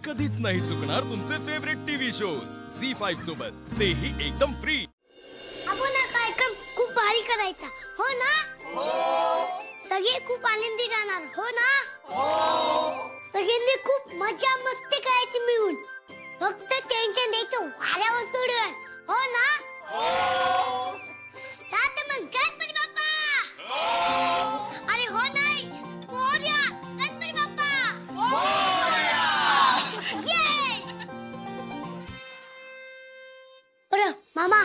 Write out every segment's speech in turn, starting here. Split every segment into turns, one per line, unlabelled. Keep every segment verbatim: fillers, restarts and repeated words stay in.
कधीच नाही चुकणार तुमचे favourite TV shows C five सोबत, तेही एकदम फ्री.
आपण हा कार्यक्रम खूप भारी करायचा, हो ना? हो. सगळे खूप आनंदी जाणार, हो ना? हो. सगळ्यांनी खूप मजा मस्ती करायची मिळून, फक्त टेन्शन द्यायचं वाऱ्यावर सोडून, हो ना? हो. चालतं मग गणपती बाप्पा. हो. अरे हो नाही, मोरया गणपती बाप्पा. मोरया. ये. बरं मामा,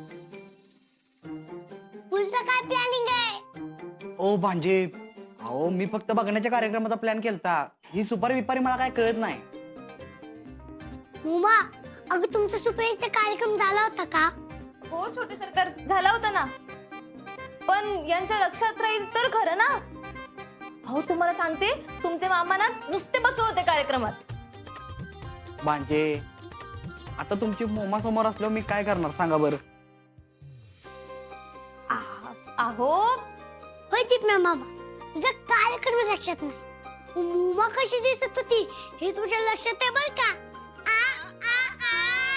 पुढचं काय प्लॅनिंग आहे?
ओ भांजे, अहो मी फक्त बघण्याच्या कार्यक्रमाचा प्लॅन केलता. ही सुपारी विपारी मला काय कळत नाही.
मुमा, अगं तुमचा सुपेचा कार्यक्रम झाला होता का?
हो छोटे सरकार, झाला होता ना. पण यांच्या लक्षात राहील तर खरं ना. हो तुम्हाला सांगते, तुमचे मामा ना नुसते बसून होते कार्यक्रमात.
भांजे, आता तुमची मोमा समोर असल्यावर मी काय करणार सांगा बरं?
अहो
होय दीपना मामा, तुझा कार्यक्रम लक्षात नाही. मुमा कशी दिसत होती हे तुझ्या लक्षात आहे बर का? आ, आ,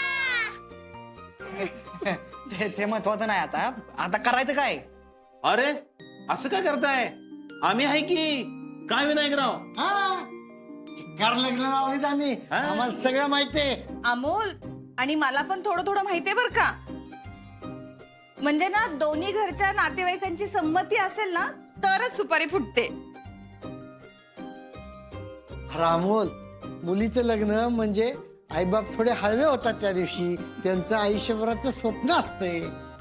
आ.
ते ते महत्वाचं नाही. आता आता करायचं काय?
अरे असं काय करताय? आम्ही आहे की काय विनायकराव?
घर लग्न लावलीत आम्ही,
हा?
आम्हाला सगळं माहितीये.
अमोल, आणि मला पण थोडं थोडं माहितीये बर का. म्हणजे ना दोन्ही घरच्या नातेवाईकांची संमती असेल ना तरच सुपारी फुटते.
रामोल, मुलीचं लग्न म्हणजे आईबाप थोडे हळवे होतात त्या दिवशी. त्यांचं आयुष्यभराचं स्वप्न असतंय.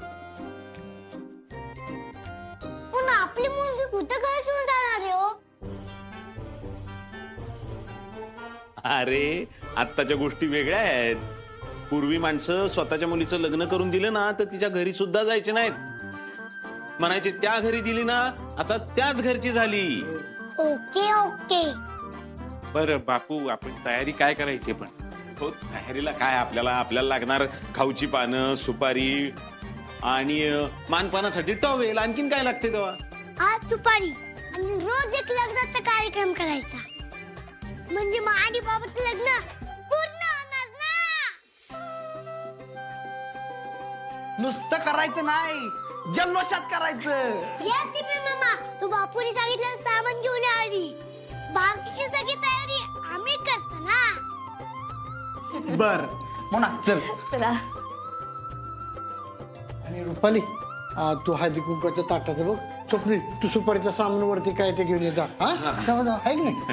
पण आपली मुलगी कुठं काय सोडून जाणार आहे हो?
अरे आत्ताच्या गोष्टी वेगळ्या आहेत. पूर्वी माणसं स्वतःच्या मुलीचं लग्न करून दिलं ना तर तिच्या घरी सुद्धा जायचे नाहीत. म्हणायचे त्या घरी दिली ना, आता त्याच घरची झाली.
Okay okay.
बरं बापू, आपण तयारी काय करायची पण?
हो, तयारीला काय, आपल्याला आपल्याला लागणार खाऊची पानं, सुपारी आणि अं, मानपानासाठी टॉवेल. आणखीन काय लागते तेव्हा?
आज सुपारी आणि रोज एक लग्नाचा कार्यक्रम करायचा, म्हणजे मग आणि बाबाचं लग्न पूर्ण होणार ना.
नुसतं करायचं नाही, जल्लोषात करायचं.
या दीपे मामा, तू बापूने सांगितलं सामान घेऊन या आधी. बाकीची सगळी तयारी आम्ही करतो ना.
बर मोना चल.
चला.
आणि रुपाली, आ, तू हळदी कुंकाच्या ताटाचं बघ. स्वप्नी, तू सुपारीच्या सामान वरती काय ते घेऊन ये जा. हा जाऊ जाऊ, आहे की नाही?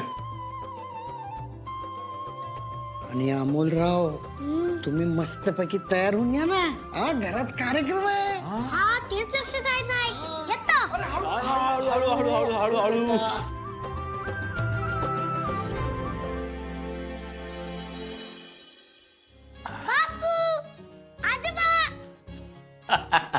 आणि अमोलराव, तुम्ही मस्तपैकी तयार होऊन या ना. हा घरात कार्यक्रम आहे.
हा तेच लक्षात राहत नाही. येतो.
हळू हळू हळू हळू हळू हळू.
बापू, आजोबा.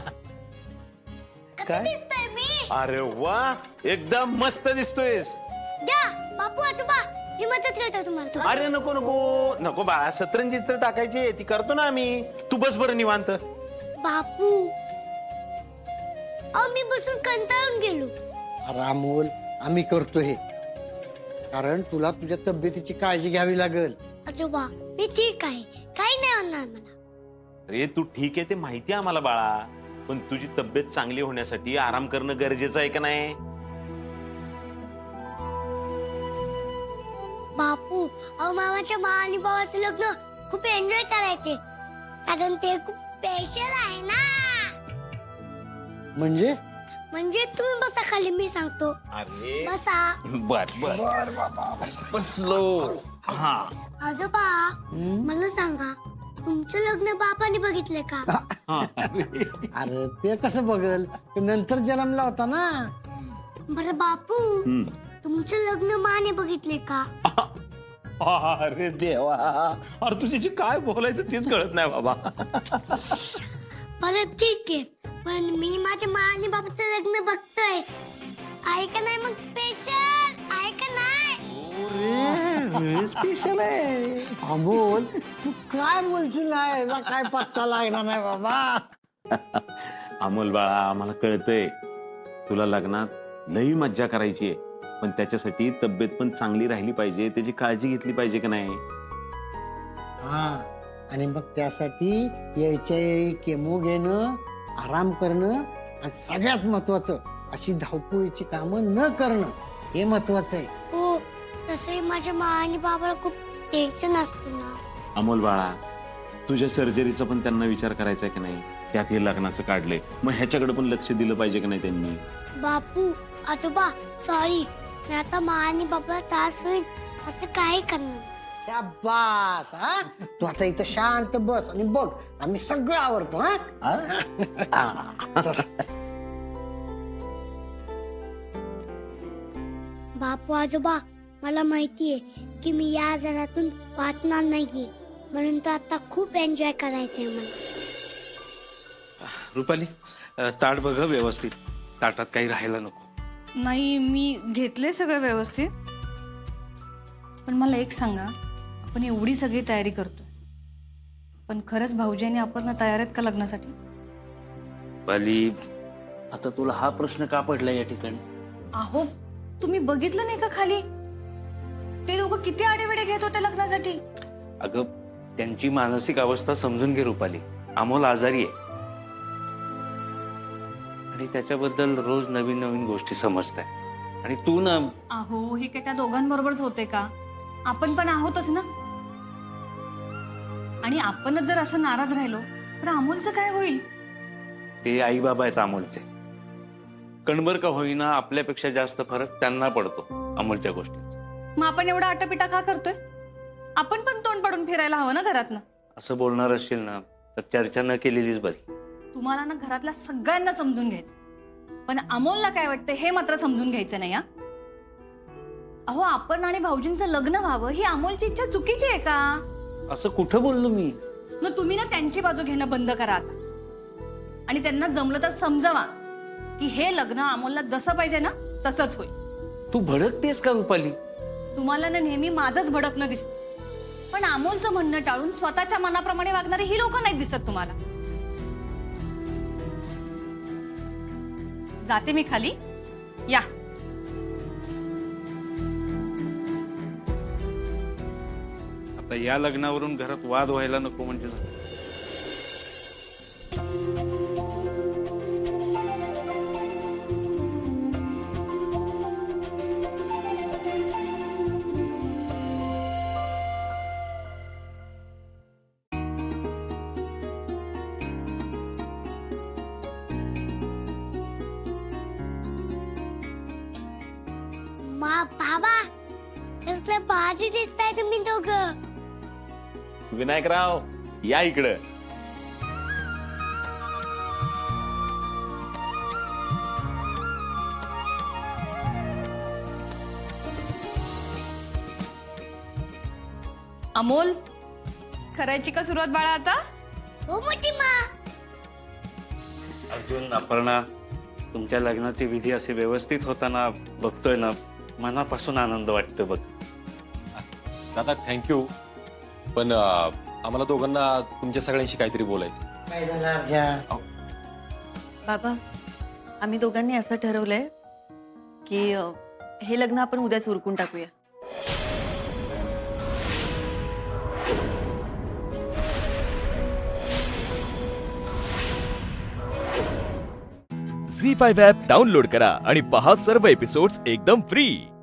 कसं दिसतोय मी?
अरे वा, एकदम मस्त दिसतोयस.
द्या बापू आजोबा, ही मदत करतो तुम्हाला. तो
अरे नको नको नको बाळा, सतरंजी तर टाकायची ती करतो ना आम्ही. तू बस बरं निवांत.
बापू, अहो मी बसून कंटाळून गेलो.
रामोल, आम्ही करतो हे कारण तुला तुझ्या तब्येतीची काळजी घ्यावी लागेल.
आजोबा मी ठीक आहे, काही नाही होणार मला.
अरे तू ठीक आहे ते माहिती आहे आम्हाला बाळा, पण तुझी तब्येत चांगली होण्यासाठी आराम करणं गरजेचं आहे का नाही?
बापू, अहो मामाच्या मा आणि बाबाचं लग्न खूप एन्जॉय करायचे, कारण ते खूप स्पेशल आहे ना.
म्हणजे
म्हणजे तुम्ही बसा खाली, मी सांगतो.
अरे
बसा.
बर बर बसलो. हा
आजोबा मला सांगा, तुमचं लग्न बापाने बघितलंय का?
अरे ते कसं बघल, ते नंतर जन्मला होता ना.
बरं बापू, तुमचं लग्न माने बघितले का?
अरे देवा, अरे तुझ्याशी काय बोलायचं तेच कळत नाही बाबा.
बरं ठीक आहे, पण मी माझ्या मा आणि बाबाचं लग्न बघतोय. आहे का नाही? मग स्पेशल आहे का नाही?
स्पेशल आहे. अमोल, तू काय बोलशील नाही, याचा काय पत्ता लागणार नाही बाबा.
अमोल बाळा, आम्हाला कळतंय तुला लग्नात लई मज्जा करायची आहे, पण त्याच्यासाठी तब्येत पण चांगली राहिली पाहिजे, त्याची काळजी घेतली पाहिजे का नाही?
हा आणि मग त्यासाठी यायच्या वेळी केमो घेणं, आराम करणं आणि सगळ्यात महत्वाचं अशी धावपळीची कामं न करणं हे महत्वाचं आहे.
हो तसंही माझ्या मा आणि बाबाला खूप टेन्शन असते ना.
अमोल बाळा, तुझ्या सर्जरीचा पण त्यांना विचार करायचा की नाही? त्यात हे लग्नाचं काढले, मग ह्याच्याकडे पण लक्ष दिलं पाहिजे की नाही त्यांनी?
बापू आजोबा सॉरी, मी आता मा आणि बाबाला त्रास होईल असं काही करणार.
शाबास हा तू आता इथं शांत बस आणि बघ आम्ही सगळं आवरतो. हा चल.
बापू आजोबा मला माहितीये की मी या आजारातून वाचणार नाहीये, म्हणून तर आता खूप एन्जॉय करायचंय मला.
रुपाली अ, ताट बघ हं व्यवस्थित, ताटात काही राहायला नको.
नाही मी घेतले सगळं व्यवस्थित. पण मला एक सांगा, आपण एवढी सगळी तयारी करतो, पण खरंच भाऊजी आणि आपण तयार आहेत का लग्नासाठी?
रुपाली, आता तुला हा प्रश्न का पडला या ठिकाणी?
अहो तुम्ही बघितलं नाही का खाली ते लोक किती आडेवेडे घेत होते लग्नासाठी?
अगं त्यांची मानसिक अवस्था समजून घे रुपाली. अमोल आजारी आहे आणि त्याच्याबद्दल रोज नवीन नवीन गोष्टी समजतायत. आणि तू ना,
अहो हे काय त्या दोघांबरोबरच होते का? आपण पण आहोतच ना. आणि आपणच जर असं नाराज राहिलो तर अमोलचं काय होईल?
ते आई बाबा आहेत अमोलचे. कणभर का होईना आपल्यापेक्षा जास्त फरक त्यांना पडतो अमोलच्या गोष्टींचा.
मग आपण एवढा आटापिटा का करतोय? आपण पण तोंड पाडून फिरायला हवं ना घरातनं.
असं बोलणार असशील ना तर चर्चा न केलेलीच बरी.
तुम्हाला ना घरातल्या सगळ्यांना समजून घ्यायचं, पण अमोलला काय वाटतं हे मात्र समजून घ्यायचं नाही. हा अहो आपण आणि भाऊजींचं लग्न व्हावं ही अमोलची इच्छा चुकीची आहे का?
असं कुठं बोललो मी?
मग तुम्ही ना त्यांची बाजू घेणं बंद करा आता, आणि त्यांना जमलं तर समजावा की हे लग्न अमोलला जसं पाहिजे ना तसंच होईल.
तू भडकतेस का रुपाली?
तुम्हाला ना नेहमी माझंच भडकणं दिसतं, पण अमोलचं म्हणणं टाळून स्वतःच्या मनाप्रमाणे वागणारी ही लोक नाही दिसत तुम्हाला. जाते मी खाली, या.
आता या लग्नावरून घरात वाद व्हायला नको म्हणजे.
मा बाबा कसलं भारी दिसताय तुम्ही दोघं.
विनायकराव या इकडं.
अमोल, करायची का सुरुवात बाळा आता?
हो मोठी मा.
अर्जुन, अपर्णा, तुमच्या लग्नाची विधी असे व्यवस्थित होताना बघतोय ना, मनापासून आनंद वाटतो बघ.
दादा थँक्यू, पण अं, आम्हाला दोघांना तुमच्या सगळ्यांशी काहीतरी बोलायचं.
काय झालं अर्जा?
बाबा आम्ही दोघांनी असं ठरवलंय की अ, हे लग्न आपण उद्याच उरकून टाकूया.
झी फाईव्ह ॲप डाउनलोड करा आणि पहा सर्व एपिसोड्स एकदम फ्री.